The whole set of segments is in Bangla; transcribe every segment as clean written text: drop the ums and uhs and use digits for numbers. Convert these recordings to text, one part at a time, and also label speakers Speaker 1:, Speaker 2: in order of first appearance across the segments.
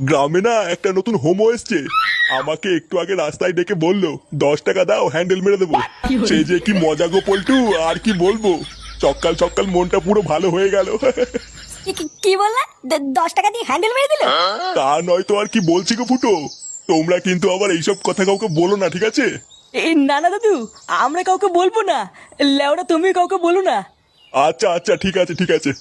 Speaker 1: গ্রামে না একটা নতুন হোমো এসছে, আমাকে একটু আগে রাস্তায় ডেকে বললো 10 টাকা দাও হ্যান্ডেল মেরে দেবো। সে যে কি মজা গো পল্টু, আর কি বলবো। সকাল সকাল মনটা পুরো ভালো হয়ে গেল।
Speaker 2: কি বললা? 10 টাকা দিয়ে হ্যান্ডেল মেরে দিল?
Speaker 1: তা নয় তো আর কি বলছি গো ফুটো। তোমরা কিন্তু আবার এইসব কথা কাউকে বলো না, ঠিক আছে?
Speaker 3: না না দাদু, আমরা কাউকে বলবো না। লেওরা তুমি কাউকে বলো না।
Speaker 1: আচ্ছা আচ্ছা, ঠিক আছে ঠিক আছে।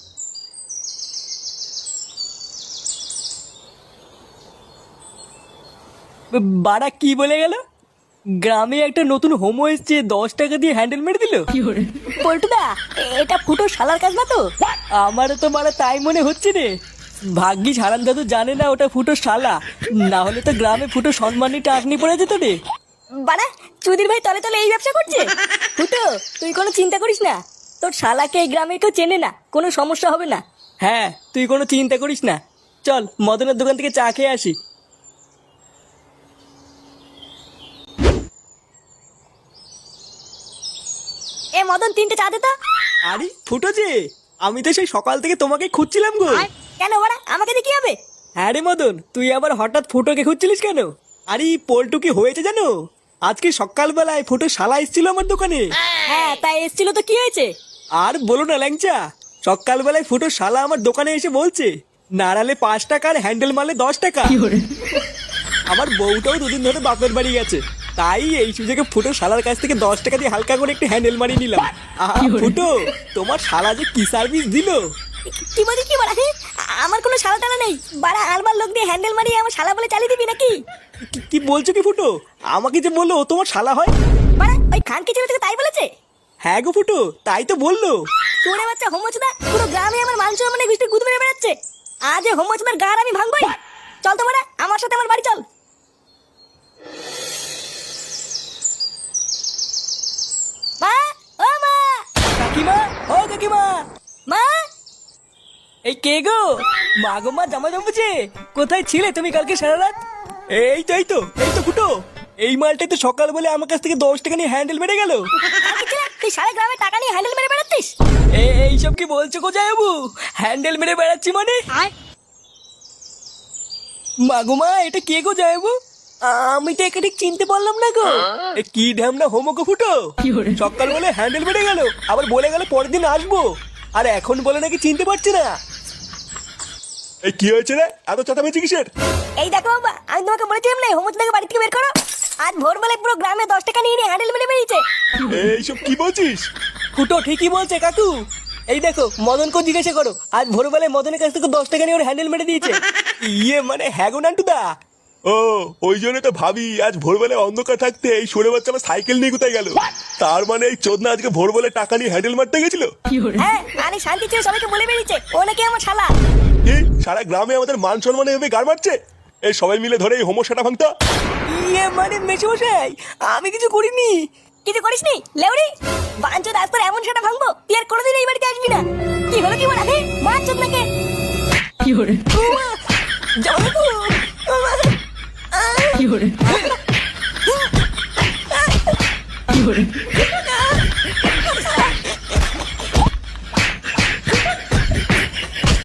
Speaker 3: বাড়া কি বলে গেল? গ্রামে একটা নতুন হোমো এসছে, 10 টাকা দিয়ে হ্যান্ডেল মেরে দিল।
Speaker 2: পল্টুদা, এটা ফুটো শালার কাজ না তো?
Speaker 3: আমারও তো মারা তাই মনে হচ্ছে রে। ভাগ্যিস হারান দাদু জানে না ওটা ফুটো শালা, না হলে তো গ্রামে ফুটো সম্মানী টাকনি পড়ে যেত রে।
Speaker 2: বাড়া, চুদির ভাই তলে তলে এই ব্যবসা করছে। ফুটো, তুই কোনো চিন্তা করিস না, তোর শালাকে এই গ্রামে কেউ চেনে না, কোনো সমস্যা হবে না।
Speaker 3: হ্যাঁ, তুই কোনো চিন্তা করিস না। চল মদনের দোকান থেকে চা খেয়ে আসি।
Speaker 2: এ মদন, 3টে চা দে তো।
Speaker 3: আরে ফুটো যে, আমি তো সেই সকাল থেকে তোমাকে খুঁজছিলাম গো।
Speaker 2: কেন বাড়া, আমাকে দিয়ে কি হবে?
Speaker 3: হ্যাঁ রে মদন, তুই আবার হঠাৎ ফুটোকে খুঁজছিলিস কেন? আরে পল্টু কি হয়েছে জানো? আজকে সকালবেলায় ফুটো শালা এসেছিল আমার দোকানে।
Speaker 2: হ্যাঁ, তাই এসেছিল তো কি হয়েছে?
Speaker 3: আর বলো না ল্যাংচা, সকালবেলায় ফুটো শালা আমার দোকানে এসে বলছে নাড়ালে 5 টাকার হ্যান্ডেল মারলে 10 টাকা। আমার বউটাও 2 দিন ধরে বাপের বাড়ি গেছে, তাই এই সুযোগে ফুটো শালার কাছ থেকে 10 টাকা দিয়ে হালকা করে একটু হ্যান্ডেল মারিয়ে নিলাম। ফুটো, তোমার শালা যে কি সার্ভিস দিল!
Speaker 2: কি বলি কি বাড়া? আমার কোনো শালা টালা নেই বাড়া, আলবার লোক দিয়ে হ্যান্ডেল মারিয়ে আমার শালা বলে চালিয়ে দিবি নাকি?
Speaker 3: কি বলছো কি ফুটো? আমাকে যে বললো ও তোমার শালা হয়।
Speaker 2: বাড়া, ওই খানকি ছেলে থেকে তাই বলেছে?
Speaker 3: হ্যাঁ গো ফুটো, তাই তো বললো।
Speaker 2: তোরে বাচ্চা হোমোচোদা, পুরো গ্রামে আমার মান সম্মানে গুষ্টি গুদ মেরে বেড়াচ্ছে। আজ এই হোমোচোদার গার আমি ভাঙবই। চল তো বাড়া, আমার সাথে আমার বাড়ি চল। মা, ও মা,
Speaker 3: কাকিমা, ও কাকিমা।
Speaker 2: মা।
Speaker 3: এই কে গো? মা গো মা, জামা জমেছে। কোথায় ছিলে তুমি কালকে সারা রাত? এই তো এই তো এই তো ফুটো, এই মালটাই তো সকাল বলে আমার কাছ থেকে 10 টাকা নিয়ে হ্যান্ডেল মেরে গেল।
Speaker 2: খানকি ছেলে, তুই সারা গ্রামে টাকা নিয়ে হ্যান্ডেল মেরে বেড়াচ্ছিস?
Speaker 3: এইসব কি বলছো গো জামাইবাবু? হ্যান্ডেল মেরে বেড়াচ্ছি মানে? মা গো মা, এটা কে গো জামাইবাবু? আমি তো একে ঠিক চিনতে পারলাম না গো। এ কি ঢ্যামনা হোমো গো ফুটো, সকাল বলে হ্যান্ডেল মেরে গেল, আবার বলে গেল পরের দিন আসবো, আর এখন বলে নাকি চিনতে পারছি না।
Speaker 1: এই কি হয়েছে রে, এত চেঁচামেচি কিসের?
Speaker 2: এই দেখো বাবা, আমি তোমাকে বলেছিলাম না হোমোচোদাকে বাড়ি থেকে বের করো। আজ ভোরবেলায় পুরো গ্রামে 10 টাকা নিয়ে হ্যান্ডেল মেরে বেরিয়েছে।
Speaker 1: এইসব কি বলছিস?
Speaker 3: ফুটো ঠিকই বলছে কাকু। এই দেখো মদনকে জিজ্ঞাসা করো, আজ ভোরবেলায় মদনের কাছ থেকে 10 টাকা নিয়ে ওর হ্যান্ডেল মেরে দিয়েছে। ইয়ে মানে হ্যাঁ গো নান্টুদা।
Speaker 1: ও, ওই জন্য তো ভাবি আজ ভোরবেলায় অন্ধকার থাকতে এই সরে বাচ্চা আমার সাইকেল নিয়ে কোথায় গেল। তার মানে এই চোদনা আজকে ভোরবেলায় টাকা নিয়ে হ্যান্ডেল মারতে গেছিল।
Speaker 2: হ্যাঁ, আরে শান্তি ছিল, সবাইকে বলে বেরিয়েছে ও নাকি আমার শালা।
Speaker 1: কি সারা গ্রামে আমাদের মান সম্মান এভাবে গাড় মারছে? এই সবাই মিলে ধরে এই হোমোসাটা ভাঙতা।
Speaker 3: ইয়ে মানে মেশমশাই, আমি কিছু করিনি।
Speaker 2: কিছু করিসনি লেউরি? বাঞ্চোদ, আজ তোর এমন সেটা ভাঙবো তুই আর কোনোদিন এই বাড়িতে আসবি না। কি হলো কি বলা? হ্যাঁ, বাঞ্চোদ নাকি?
Speaker 3: জামাইবাবু,
Speaker 2: আহ!